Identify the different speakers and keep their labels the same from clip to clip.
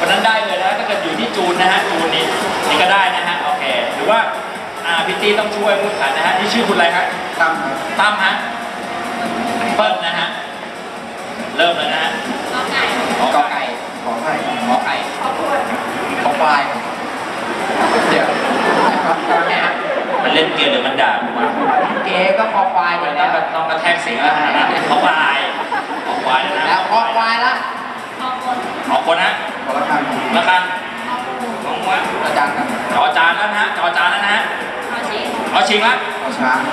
Speaker 1: คนนั้นได้เลยนะถ้าเกิดอยู่ที่จูนนะฮะจูนนี่ก็ได้นะฮะโอเคหรือว่าพี่ตีต้องช่วยพูดขันนะฮะที่ชื่อคุณอะไรครับตั้มฮะเปิ้ลนะฮะเริ่มเลยนะฮะกอไก่ขอไข่ขอควายเดี๋ยวมันเล่นเกมหรือมันด่ามา
Speaker 2: เกก็คอควาย
Speaker 1: มันต้องกระแทกเสียงแล้วนะขอควายนะ
Speaker 2: แล้วคอควายละ
Speaker 1: ขอคนนะ
Speaker 2: ขอละคัง
Speaker 1: น้องวะ
Speaker 2: อาจารย์ครับ
Speaker 1: จอจานแล้วนะฮะจอจานแล้วนะฮะขอชิงละ
Speaker 2: ขอช้าง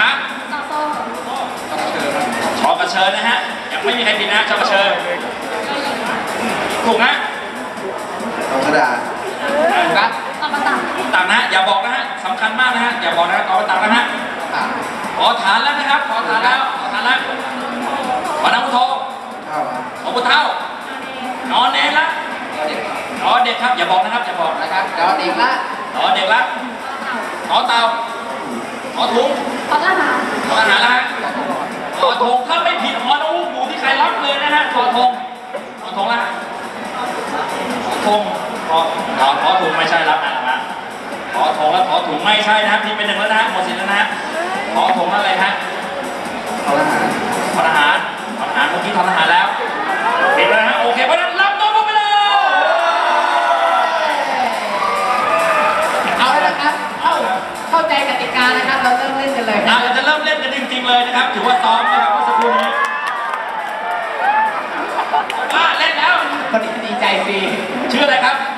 Speaker 1: ชอกระเชิญนะฮะยังไม่มีใครผิดนะชอกระเชิญถูกนะ
Speaker 2: ตอกระดาษ
Speaker 1: ครับต่างนะอย่าบอกนะฮะสำคัญมากนะฮะอย่าบอกนะต่อต่างนะฮะขอฐานแล้วนะครับขอฐานแล้วขอน้ำพุทโธขอพุทเท่านอนเนรละนอนเด็กครับอย่าบอกนะครับอย่าบอก
Speaker 2: นะครับนอนเด็กละ
Speaker 1: ขอเต่าขอถุงขอทหารละขอธงถ้าไม่ผิดขอน้ำหมูที่ใครรับเลยนะฮะขอธงละขอถุงไม่ใช่รับนะขอธงแล้วขอถุงไม่ใช่นะครับที่เป็นหนึ่งแล้วนะหมดสิทธิ์แล้วนะขอถุงอะไรฮะทหารเมื่อกี้ทหารแล้วเห็นแล้วฮะโอเคเพราะนั้นรับน้องไปเลย
Speaker 2: เอาละครับเข้าใจกติกานะครับเราเริ่มเล่นกันเลย
Speaker 1: เราจะเริ่มเล่นกันจริงๆเลยนะครับถือว่าซ้อมนะครับเมื่อสักครู่นี้เล่นแล้ว
Speaker 2: คนดีใจสิ
Speaker 1: ชื่ออะไรครับ